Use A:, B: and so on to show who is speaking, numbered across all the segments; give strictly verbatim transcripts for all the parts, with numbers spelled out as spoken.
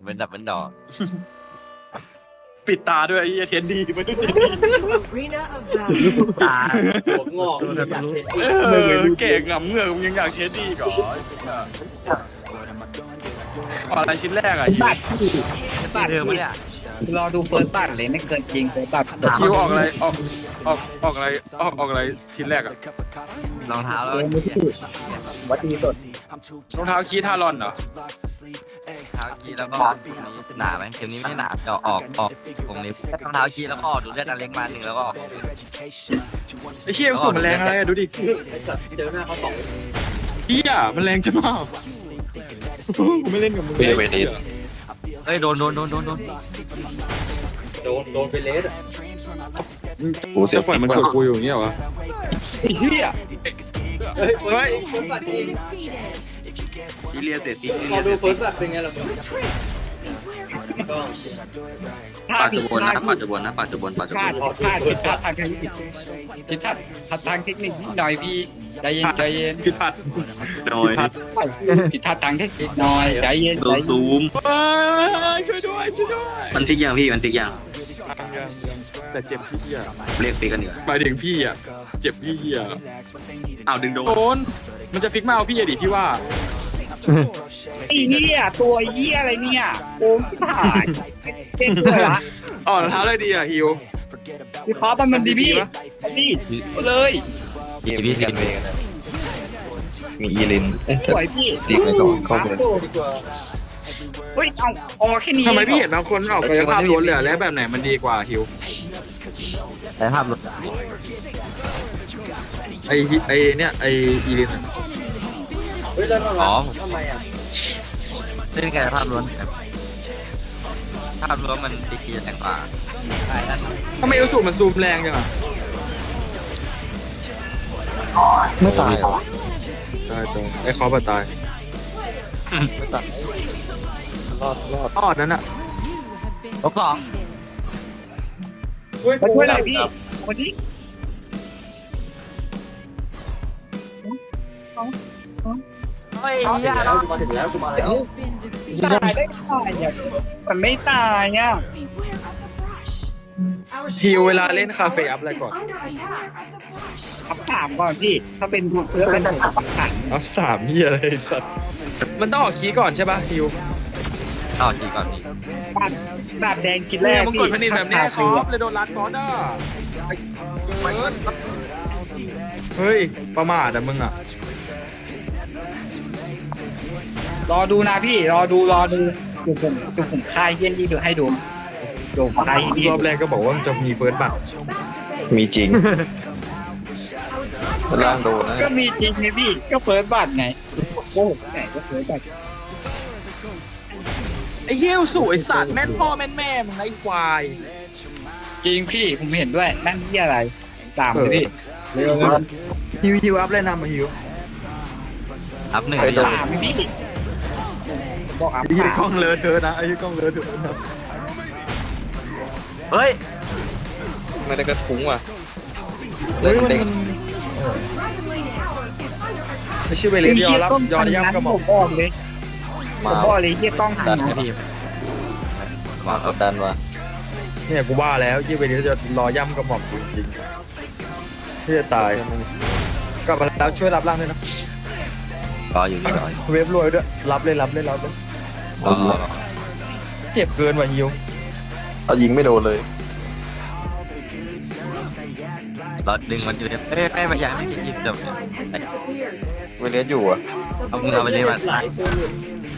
A: เป็นดับเป็นดอก
B: ปิดตาด้วยไอ้เหี้ยเทนดีไปด้วยเทนดี
C: Arena of Valor.
D: ตาหัวงอกอยากเห็น
B: เออเก่งอ่ะเมื่อมึงยังอยากเทนดีก่อนอะไรชิ้นแรกอ่ะ
E: บัตรพี่
A: ที่เดิมปะเนี่ย
E: รอดูเฟิร์สบัตรเลยไม่เกินจริงเฟิร์สบัตร
B: คิวออกอะไรออกออกออกอะไรออกออกอะไรชิ้นแรกอ่ะ
A: รองเท้าแล้ว
E: วัดดีสด
B: รองเท้าคีทารอนเหรอ
A: เท้ากีแล้วก็หนาไหมเกมนี้ไม่หนาจะออกออกตรงนี้รองเท้ากีแล้วก็ออกดูเลือดอันเล็กมาหนึ่งแล้วก็ออก
B: ไอ้เชี่ยสูตรมันแรงอะไรอ่ะดูดิ
D: เจอหน้าเขาสอง
B: เหี้ยมันแรงจังมากกูไม่เล่นกับมึงเลย
A: เฮ้ยโดนโดนโดนโดนโดน
D: โดนโดนไปเลสอ่ะ
B: กูเสียปล่อยมันกับกูอยู่อย่างเงี้ยวะ
E: ไอ้เหี้ย
D: เฮ้ยเฟิร์สเฟิร์สบัตรจริง
A: ที่เรียนเสร็จที่
D: รอดูเฟิร์สบัตรเป็นไงล่ะก็
E: ท่า
A: ปัจ
E: ผิ
A: จุ
E: ด
A: บันนะปัจจุบันนะปัจจุบันปัจจุ
E: พลา
A: บั
E: ด
A: น
E: พลาดผิดพลาดทางเทคนิคผิดพลาดพลาดทางเทคนิคนิดหน่อยพี่ใจเย็นใจเย็น
B: ผิดพลาด
A: โดย
E: ผิดพลาดทางเทคนิคหน่อยใจเย็น
A: โดนซูม
B: เอ้ยช่วยด้วยช่วยด้วย
A: มันทิกยังพี่มันทิกยัง
B: แต่เจ็บพี่อ่ะ
A: เรียกปีกันอยู่
B: หมายถึงพี่อ่ะเจ็บพี่อ่ะ
A: เอาดึงโดน
B: โดนมันจะฟิกมาเอาพี่อะดิพี่ว่า
E: ไอ้เหี้ยตัวเหี้ยอะไรเนี่ยโอ้ผ่านเก่งเลยละ
B: อ๋อรองเท้าอะไรดีอ่ะฮิว
E: พี่ขอมันมันดีพี่พี่เลย
A: พี่พี่ลิน
F: มีอีลินเอ๊ะ
E: สวยพี่
F: ตีไปก่อนเข้าไป
D: ดีกว่า
E: เฮ้ยเอาออกแค่นี้
B: ทำไมพี่เห็นบางคนออกกายภาพล้วนเลยอะแล้วแบบไหนมันดีกว่าฮิว
A: แต่ภาพหลุด
B: ไอไอเนี่ยไออีลินอะ
D: เฮ้ยแล้วเราทำไมอ่ะ
A: เล่นกายภาพล้วนภาพล้วนมันดีแรงกว่า
B: ทำไมเอลสูมันซูมแรงจังอ่ะ
F: ไม่ตายเหรอ
B: ตายตรงไอคอปตาย
F: ไม่ตายรอดรอด
B: ออดนั้นอ่ะ
A: ลบสอง
E: มาช่วยหน่อยพี่วันนี้
A: เฮ้ย
D: มาถึงแล้วกูมาถึงแล้วกูมาแล้ว
E: ตายได้ตายอ่ะมันไม่ตายอ่ะ
B: ฮิวเวลาเล่นคาเฟ่อัพอะไรก่อน
E: คำถามก่อนพี่ถ้าเป็นเพื่อเป็นคำถาม
B: อัพสามนี่อะไรสัตว์มันต้องออกคีย์ก่อนใช่ป่ะฮิว
A: ต่อทีก่อนนี่
E: บาดบาดแดงกินแร
B: แม่
E: ก
B: มึงกดพนินแบบนี้คอปเลยโดนรัดคอร์ดอ่ะไอ้เปิดเฮ้ยประมาทอ่ะมึงอ่ะ
E: รอดูนะพี่รอดูรอดูดูผมดูผมคายเย็นดีดูให้ดูดูคายเย็น
B: รอบแรกก็บอกว่ามันจะมีเฟิร์สบัตร
F: มีจริงล่างโดนนะ
E: ก็มีจริงไงพี่ก็เฟิร์สบัตรไงโอ้โหไหนก็เฟิร์สบัตร
B: ไอ้เหี้ยวสู่ไอ้สัตว์แม่นพ่อแม่นแม่มึงไอ้ควาย
E: จริงพี่ผมเห็นด้วยนั่นที่อะไรตามเลยพี่เร็ว
B: ฮิวฮิวอัพเลยนำมาฮิว
A: อัพหนึ่ง
E: ๆตามพี่บอกอ่ะ
B: ไอ้ยี่กล้องเลอะเทอะนะไอ้ยี่กล้องเลอะเทอะนะ
A: เฮ้ย
F: ไม่ได้กระทุ้งว่ะ
B: เฮ้ยมัน
F: เด็ก
B: ไม่ชื่อเวเลนยอรับยอดย่ำกระหม่อม
E: ผมบอกเลยผ
F: มาม
E: บอกเลยที่ต้องหัน
F: ดัน
E: นะ
F: นะ
A: พี่
F: มากดดันว่ะ
B: เนี่ยกูว่าแล้วยี่เวเลนจะรอย่ำกระหม่อมจริงๆที่จะตายกลับมาแล้วช่วยรับร่างด้วยนะ
A: รออยู่พี่รออยู่
B: เวฟรวยด้วยรับเลยรับเลยรับเลย
A: รอ
B: เจ็บเกินว่ะฮิว
F: เอายิงไม่โดนเลย
A: รอดึงมันอยู่เลยเอ้ยไม่ไม่อยากไม่กินจบ
F: เวเลสอยู่อ่ะ
A: เอามึงเอาไปเลยมัน
D: หลายคนอยู่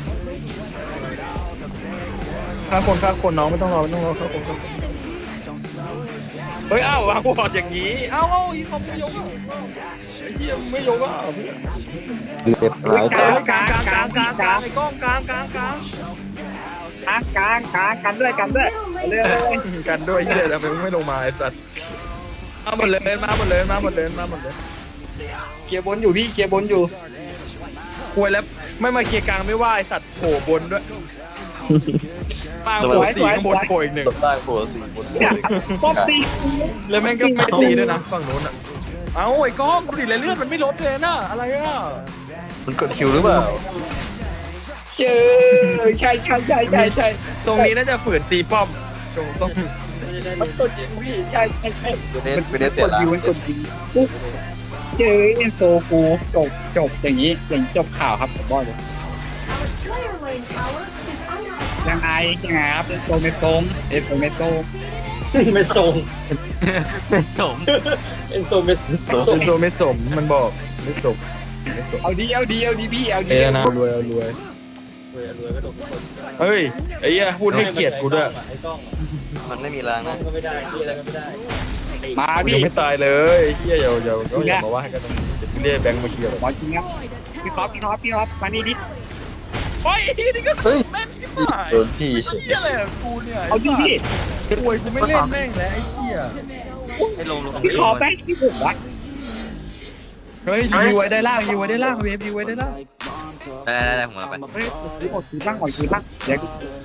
B: ฆ่าคนฆ่าคนน้องไม่ต้องรอไม่ต้องรอฆ่าคนฆ่าคนเฮ้ยอ้าววางบอดอย่างนี้เอ้าเอ้าอีคอมไม่ยกอ่ะไอ้เหี้ยไม่ยกอ่ะ
F: เรียบร้อย
B: ก
F: จ้ะ
B: ลางกลางกลางกลางกลางกลางไอ้กล้องกลางกลางกลาง
E: กลางกลางกลางกันด้วยกันด้วยเร็ว
B: กันด้วยเหี้ยทำไมมึงไม่ลงมาไอ้สัตว์มาหมดเลยมาหมดเลยมาหมดเลยมาหมดเลย
E: เคลียร์บนอยู่พี่เคลียร์บนอยู่
B: คุยแล้วไม่มาเคลียร์กลางไม่ว่าไอ้สัตว์โผล่บนด้วยปางโผล่สี่ข้างบนโผล่อีกหนึ่ง
F: ตบล่างโผล่สี่บน
E: ป้อมตี
B: แล้วแม่งก็ไม่ตีด้วยนะฝั่งนู้นอ่ะเอ้าไอ้กล้องดูดิเลยเลือดมันไม่ลดเลยนะอะไรอ่ะ
F: มันกดคิวหรือเปล่า
E: เจอใช่ใช่ใช่ใช่ใช่
B: ทรงนี้น่าจะฝืนตีป้อมทรงต้อง
E: มันกดยิงพี่ใช่ใช่ใช่
F: เวเนสเวเนสเสีย
E: กด
F: ละ
E: ยิงมันกดยิงปุ๊บเจอเอ็นโซกูจบจบอย่างนี้อย่างจบข่าวครับผมบอกเลย
C: Our Slayer Lane tower is under attack.
E: ยังไงยังไงครับเอ็นโซเมโตมเอ็นโซเมโต
G: ไม่ทรง
A: ผม
G: เอ็นโซไม่
B: เป็นโซไม่สมมันบอกไม่สมไม่สม
E: เอาดีเอาดีเอาดีพี่เอาดี
B: เอ้ยนะรวยเอารวย
G: รวยรวยก็โดนทุกคน
B: เฮ้ยไอ้เหี้ยพูดให้เกียรติกูด้วย
G: ไอ้กล้อง
F: มันไม่มีแรง
G: กล้อ
F: นะ
G: งก็ไม่ได้ที่อะไรก็ไม่ได้
E: มา
B: กู
E: พี่
B: ยังไม่ตายเลยไอ้เหี้ยเดี๋ยวเดี๋ยวก็อย่ามาว่าให้กันตรงนี้เดี๋ยวกูเรียกแบงค์มาเคลียร์
E: หมอจริงครับพี่ท็อปพี่ท็อปพี่ท็อปมานี่ดิ
B: โอ้ยนี่ก็
F: เฮ้ย
B: แม่นชิบหาย
F: โดนพี่เฉย
B: เหี้ยอะไรอะกูเนี่ย
E: เอาดิพี่
B: ป่วยกูไม่เล่นแม่งแล้วไอ้เหี้ย
A: ให้ลงลง
E: พี่ท็อปแม่งที่ผมวะ
B: เฮ้ยยูไว้ได้ล่างยูไว้ได้ล่างเวฟยูไว้ได้ล่าง
A: ได้ได้ได้ผมเอาไป
E: เฮ้ยซื้อหมดซื้อบ้างหมดซื้อบ้างเดี๋ยว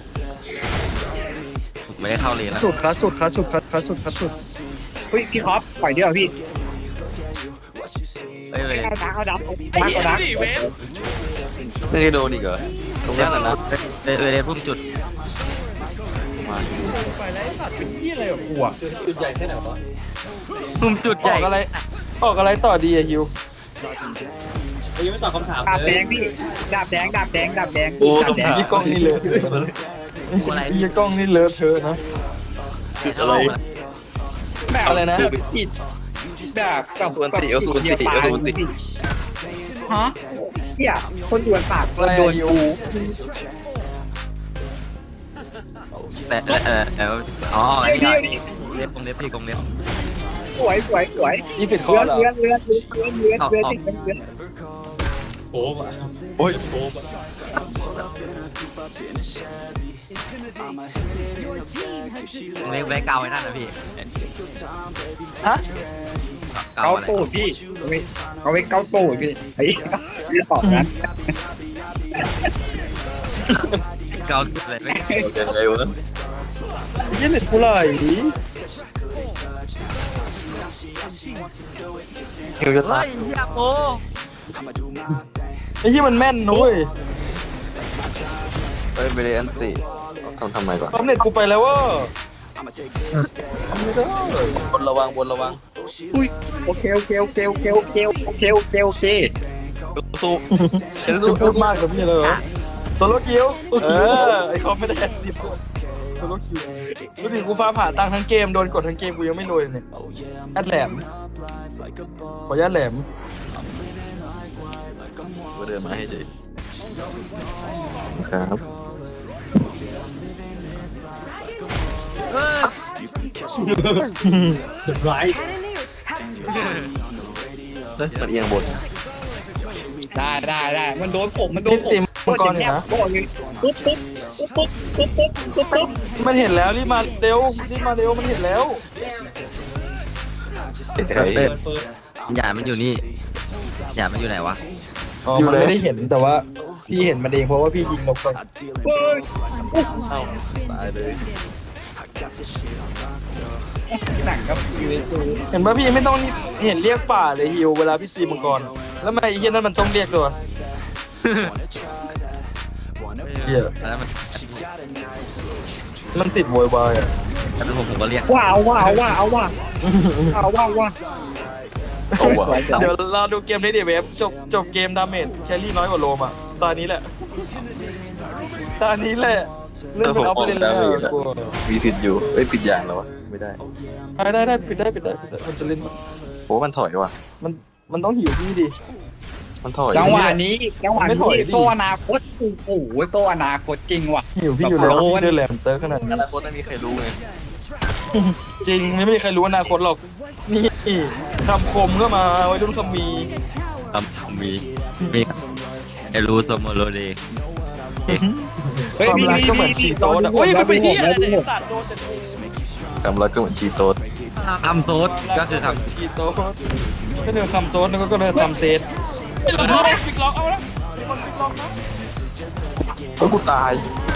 A: ผมไม่ได้เข้าเลยแล้ว
B: สุดคลาสสุดคลาสสุดคลาสคลาสสุดคลาสสุด
E: เฮ้ยพี่ท็อปปล่อยเดียวพี่
A: เฮ้ยเลย
E: เอาดักเอาดัก
B: ไอ้
E: เอาดัก
B: เหี้ย
E: เอาดัก
B: ดิเวฟ
F: ๆไม่ได้โดนอีกเหรอตรงนั้นน่ะนะ
A: เเลยเลยพุ่มจุด
F: มา
B: ไปแล้วไอ้สัตว์เป็นเหี้ยอะไรกับกูอะ
G: จุดใหญ่แค่ไหนวะ
A: พุ่มจุด
B: อ
A: ใหญ่
B: อกอะไรออกอะไรต่อดีอะยู
G: ไอ้ยังไม่ตอบคำถาม
E: ดาบ
G: เล
E: แด
G: ย
E: งพี่ดาบแดงดาบแดงดาบแดง
F: โอ้
E: ดาบแดง
B: ยี่กล้องนี่เลอะเทอะนะ
A: อะไร
B: ยี่กล้องนี่เลอะเทอะนะ
A: อะไร
E: แบบ
B: อะไรนะ
E: แบบผิดแบบแบบ
F: ส่วนติเอาส่วนติเอาส่วนติ
E: ฮะเนี่ยคนดวลปากคนโดนกู
A: แต่เออเออเอออ๋ออันนี้เล็บกงเล็บพี่กงเล็บ
E: สวยสวยสวย
B: ยี่สิบคอ
E: เลือด
B: เหรอ
E: เลือดเลือดเลือดเลือดเลือดเลือดติดเลือด
G: โป๊บอ่ะ
B: โอ้ย
G: โป๊บอ่ะ
A: กงเล็บไว้เกาไว้นั่นนะพี่
B: ฮะ
A: เกา
E: เกา
A: อะไร
E: ตูดพี่เอาไว้เกาตูดพี่ไอ้พี่ตอบนั้น
A: เกาอะไรไม่
F: ยังไงวะ
B: ยี่สิบกูเลย
F: เฮลจะ
A: เฮ้
F: ตาย
A: ยเฮียโป
B: ไอ้ยี่มันแม่นนุ้ย
F: เฮ้ยไปเลยอันติทำทำไมก่อน
B: คอมเน็ตกูไปแล้วว่าไม่ได้
F: บนระวังบนระวัง
E: อุ้ยโอเคโอเคโอเคโอเคโอเคโอเคโอเคโอเค
F: สู้เชน
B: จะ
F: สู้
B: พูดมากกับพี่เลยเหรอโซโลคิวเออไอคอมไม่ได้แอดซิปโซโลคิวดูดิกูฟ้าผ่าตังทั้งเกมโดนกดทั้งเกมกูยังไม่โดนเลยแอดแหลมขออนุญาตแหลม
F: ก็เดินมาให้เฉยครับ
A: เออ
G: สุดร้าย
C: Cannoneers have spawned.
F: เฮ้ยมันเอียงบน
E: ได้ได้ได้มันโดนผมมันโดนผม
B: มังกรเนี่ยนะ
E: ปุ๊บปุ๊บปุ๊บปุ๊บปุ๊บปุ๊บปุ๊บ
B: มันเห็นแล้วรีบมาเร็วรีบมาเร็วมันเห็นแล้ว
F: เฮ้ย
G: เปิดเปิด
A: หยาดมันอยู่นี่หยาดมันอยู่ไหนวะ
B: อ๋อมันไม่ได้เห็นแต่ว่าพี่เห็นมันเองเพราะว่าพี่ยิงนกไป
E: เฮ้ย
F: ตายเลย
E: หนังครับยูเอซู
B: เห็นป่ะพี่ไม่ต้องเห็นเรียกป่าเลยฮิวเวลาพี่ตีมังกรแล้วทำไมไอ้เหี้ยนั่นมันต้องเรียกตัวเหี้ย
A: แล้วมัน
B: มันติดโวยวายอ่ะ
A: ถ้าเป็นผมผมก็เรียก
E: ว้าวว้าวว้าวว้าวว้าวว้าวว้าว
F: เอาวะ
B: เดี๋ยวเราดูเกมนี้ดิเวฟจบจบเกมดาเมจแครี่น้อยกว่าโลมอ่ะตอนนี้แหละตอนนี้แหละเรื่อง
F: ถ้า
B: เป็
F: ผม
B: นเอา
F: อ
B: ไป
F: อก
B: เล่น
F: ดา
B: แล้
F: เมจ
B: ว
F: อะ
B: กลัว
F: มีสิทธิ์อยู่เอ้ยปิดยางแล้ววะไม่ได้
B: ได้ได้ได้ปิดได้ปิดได้ปิดได้มันจะเล่น
F: โอ้มันถอยว่ะ
B: มันมันต้องหิวพี่ดิ
F: มันถอย
E: จังหวะนี้จังหวะ
B: ไม่ถอย
E: นี้
B: ดิ
E: โตอนาคตโอ้โหโตอนาคตจริงว่ะ
B: หิวพี่อยู่แล้ว
E: โดน
B: พี่เดินแหลมเตอร์ขนาด
F: อ
B: นี้
F: นาคตไม่มีใครรู้ไง
B: จริงไม่มีใครรู้อนาคตหรอกนี่คำคมก็มาไว้รุ่นคำมี
A: ทำมีมีไอรู้สมโลเด
E: เฮ้ย
B: ความ
E: มี
B: รัก
E: มี
B: ก็เหมือน
E: มี
B: ชีโต้อะโอ้ยมันเป็นที่อะไรเนี่ยสัตว์โดนแต่
F: ทำแล้วก็เหมือนชีโต้
A: ทำโซดก็คือท
B: ชีโต้ก็เดินคำโซนแล้วก็เดินคำเซตไอ้เราเอาฟิกล็อกเอาละมีคนฟิกล็อกนะ
F: ก็กูตาย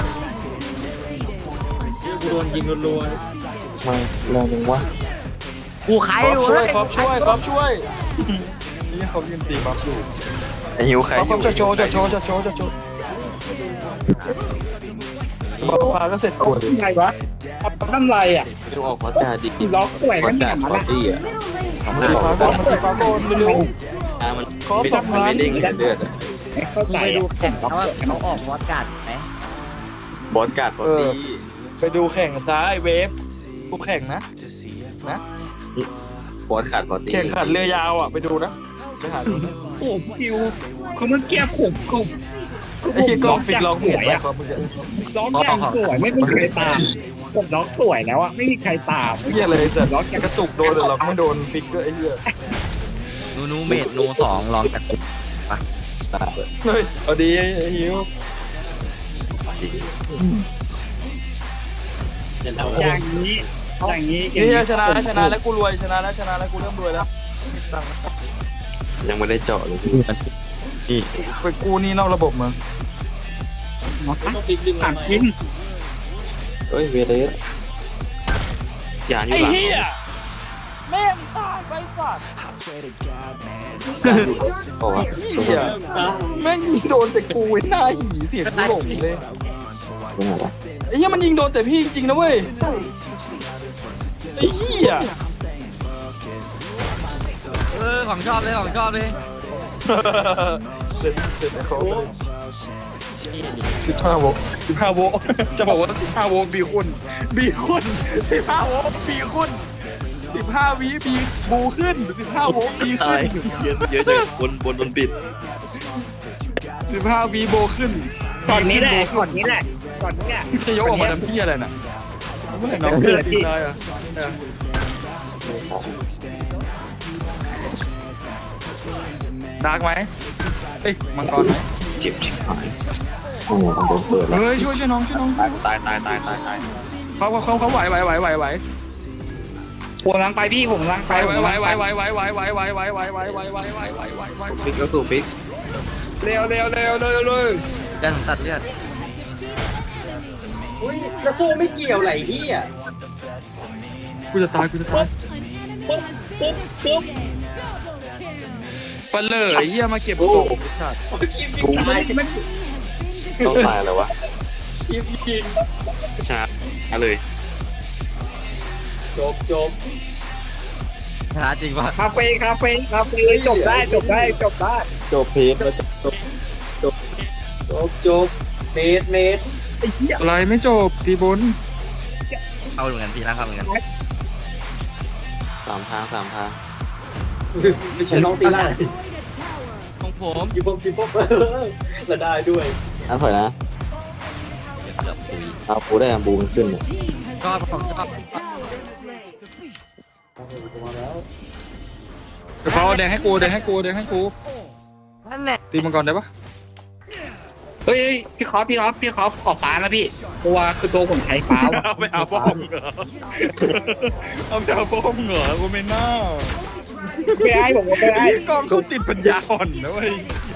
G: กูโดนยิงรัว
F: มาแรงจังวะ
A: ำกูใคร
B: ครอบ
A: อยู่
B: ช่วยครอบช่วยครอบช่วยนี่เขายืนตีบัฟอยู่
F: ไอหิวใคร
B: ครอบ
F: หิว
B: จะโชว์จะโชว์จะโชว์จะโชว์บอกฟ้าก็เสร็จกูดิ
E: ทำไรวะทำไรอ่ะ
F: ดูออกมาแต่ดิ
E: ล็อกป่วย
F: ก่อ
E: กัน น
F: จา
E: ข
F: ก
E: นาด
F: ปา
E: นั้น
F: ร์ตี้อ่ะ
C: Middle lane
F: ทำหน้า
B: ฟ้า
F: ออก
B: ก่อนมันจะฟ้าก่อนเร็ว
F: อ่ะมัน
B: ขอ
F: ไม่
B: สอง
F: มัน
B: ล้าน
F: ไม่เด้งเลือด
E: ไม่เข้าใจ
A: ไปดู
E: อ่ะ
A: แข่งเขาเขาออกวอดการ์ดไหม
F: บอสการ์ดปาร์ตี้
B: ไปดูแข่งซ้ายเวฟกูแข่งนะนะ
F: บอสขาดปาร์ตี้
B: แข่งขันเรือยาวอ่ะไปดูนะไปหาดูนะ
E: โอ้คิวคือเมื่อกี้ผมกู
B: ไอ้ที่กล้องฟิกลอง
E: ส
B: เห็น
E: วย
B: ไหม
E: อ่ะ
B: ครับมึงจะ
E: ล็อกอย่างสวยไม่มีใครตามผมล็อกสวยแล้วอ่ะไม่มีใครตาม
B: เฮียเลยแต่ล็อกกระตุกโดนแต่ล็อกไม่โดนฟิกก็ไอ้เหี้ย
A: นูนูเมดนูสองลองกัน
F: ตาเปิด
B: เฮ้ยเอาดีไอ้ฮิว
G: เดี๋ยวเรา
E: อย่างนี้อย่างนี้
B: นี่ชนะแล้วชนะแล้วกูรวยชนะแล้วชนะแล้วกูเริ่มรวยแล้วตังค์
F: ยังไม่ได้เจาะเลยนี่
B: ไปกูนี่นอกระบบมา
G: ต้องปิดดึง
E: ถามจริง
F: เอ้ยเวเลสอย่างอยู่
B: ไอ้
F: หลัง
B: เหี้ยแม่งตายไปสัตว์
F: โอ้โห
B: เหี้ยแม่งยิงโดนแต่กูไอ้หน้าหีเสียงกูหลงเลย
F: เป็นไงวะ
B: ไอ้เหี้ยมันยิงโดนแต่พี่จริงๆนะเว้ยไอ้เหี้ย
A: เออของชอบเลยของชอบเลย
B: เสร็จเสร็จไอ้เขาสิบห้าโวลต์สิบห้าโวลต์จะบอกว่าสิบห้าโวลต์บีคุณบีคุณสิบห้าโวลต์บีคุณสิบห้าวิบีบูขึ้นสิบห้าโวลต์บี
F: ตา
B: ขึ้
F: ย
B: น
F: เยอะเยอะจังบนบนโดนปิด
B: สิบห้าวีโบขึ้น
E: ก่อนนี้แหละก่อนนี้แหละก่อนนี้แหละ
B: จะยกออกมาทำพี่อะไรน่ะไม่เห็นน้องเกิดทีได้อะดาร์กไหมเอ้ยมังกรไหม
F: เจ็บชิบหายโอ้โหโดนเปิดแล้ว
B: เฮ้ยช่วยช่วยน้องช่วยน้อง
F: ตายตายตายตายตาย
B: เขาเขาเขาเขาไหวไหวไหวไหวไหวไหว
E: ผมลังไปพี่ผมลังไป
B: ไหวไหวไหวไหวไหวไหวไหวไหวไหวไหวไหวไหวไหวไหวไหวไหวไหวไหว
F: ปิกก็สู้ปิก
B: เร็วเร็วเร็วเร็วเร็ว
A: เลือดตัดเลือด
G: อุ้ยกระสู้ไม่เกี่ยวไหลที่อ่ะ
B: กูจะตายกูจะตาย
G: ปุ๊บปุ๊บปุ๊บ
B: ปเลยเฮียมาเก็บศพสัตว์
G: โอ้ยคิมยิงตาย
F: ต้องตายแล้ววะ
G: คิมยิง
F: ชาเลย
G: จบจบ
A: ชนะจริงป่ะ
E: คาเฟ่คาเฟ่คาเฟ่จบได้จบได้จบได้
F: จบเพจแล้วจบ
G: จบจบเมตรเมตร
E: ไอ้เหี้ย
B: อะไรไม่จบตีบน
A: เข้าเหมือนกันพี่นะเข้าเหมือนกัน
F: สามทางสามทาง
G: ไม่ใช่น้องตีล่า
A: ของผม
G: ยิงปุ๊บยิงปุ๊บเออแล้วได้ด้วย
F: อ่ะถอยนะ
A: เกือบคุย
F: เอาปูได้บูมันขึ้นเนี่ย
A: ชอบของชอบ
B: เดี๋ยวเขาเอาแดงให้กูแดงให้กูแดงให้กู
A: นั่นแหละ
B: ตีมังกรได้ปะ
E: เฮ้ยพี่คอฟพี่คอฟพี่คอฟขอฟ้านะพี่ตัวคือตัวผมใช้ฟ้า
B: เอาไปเอาบ้องเหรอเอาไปเอาบ้องเหรอกูไม่น่า
E: ไม่ได้ผมไม่ได้
B: กล้องเขาติดปัญญาอ่อนนะเว้ย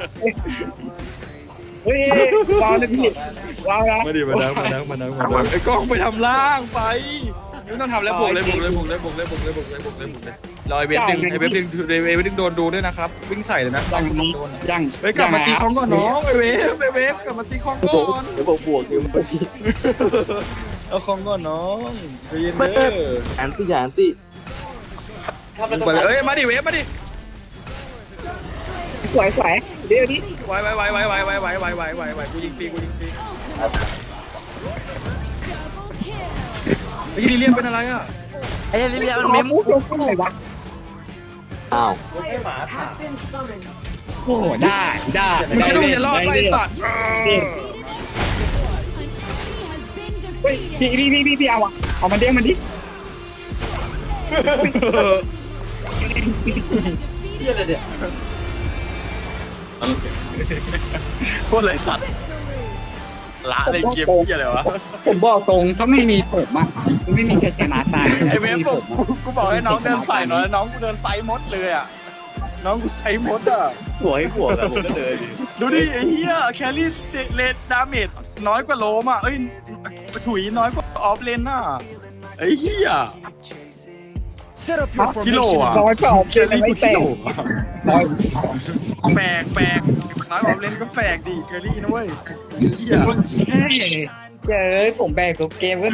E: เฮ้ยรอนะพี่รอนะ
B: มาดิมาดังมาดังมาดังมาดังไอ้กล้องไปทำล่างไปไม่ต้องทำแล้วบุกเลยบุกเลยบุกเลยบุกเลยบุกเลยบุกเลยบุกเลยบุกเลยรอยเวฟดึงไอ้เวฟดึงไอ้เวฟดึงโดนดูด้วยนะครับวิ่งใส่เลยนะ
E: ยังนี้ยัง
B: ไปกลับมาตีคองก่อนน้องไอ้เวฟไอ้เวฟกลับมาตีคองก่อน
F: เดี๋ยวบอกบวกคือมัน
B: เอาคองก่อนน้องใจเย็นเด้อ
F: แอนตี้อย่าแอนตี้
G: ถ้า
B: ไป
G: ไม่ต้อง
B: เลยเอ้ยมาดิเวฟมาดิ
E: สวยสวยเดี๋ยวนี้
B: ไวไวไวไวไวไวไวไวไวไวไวกูยิงฟรีกูยิงฟรีไอ้ยี่เลียนเป็นอะไรอ่ะ
A: ไอ้ลิเลียมัน
E: เม
A: เม
E: ม
A: ม
E: มุกลงขึ้นไหนวะ
F: อ้าว
G: ให้หมาผ่า
C: has been summoned.
E: โอ้ได้ได้
B: ไม่ใช่ต้องอย่ารอดไปสัตว์
E: เฮ้ยพี่พี่พี่พี่พี่เอาอ่ะเอามันเด้งมันดิ
G: เที่ยอะไรเนี่ย
B: โคตรไรสัตว์ละเลยเกมที่อะไรวะ
E: ผมบอกตรงถ้าไม่มีผมอ่ะไม่มีใครชนะตาย
B: ไอเวฟบอกกูบอกให้น้องเดินใส่หน่อยน้องกูเดินไซมดเลยอ่ะน้องกูไซมดอ่ะ
F: หัวให้หัวแล้วผมก็เดิน
B: ดูดิไอ้เหี้ยแครี่เลดดาเมจน้อยกว่าโลมอ่ะเอ้ยถุยน้อยกว่าออฟเลนน่ะไอ้เหี้ยกิโลอ่ะ
E: น้อยก็ออก
B: แค
E: เกม
B: รี่
E: ไม่
B: กู
E: แต
B: กิ
E: ก
B: โล
E: น้อย
B: แปลกแปลกท้ายออฟเลนก็แปลกดิเคอรี่นะเว้ยเหี้ย
E: ใช่เจอผมแบกทุกเกม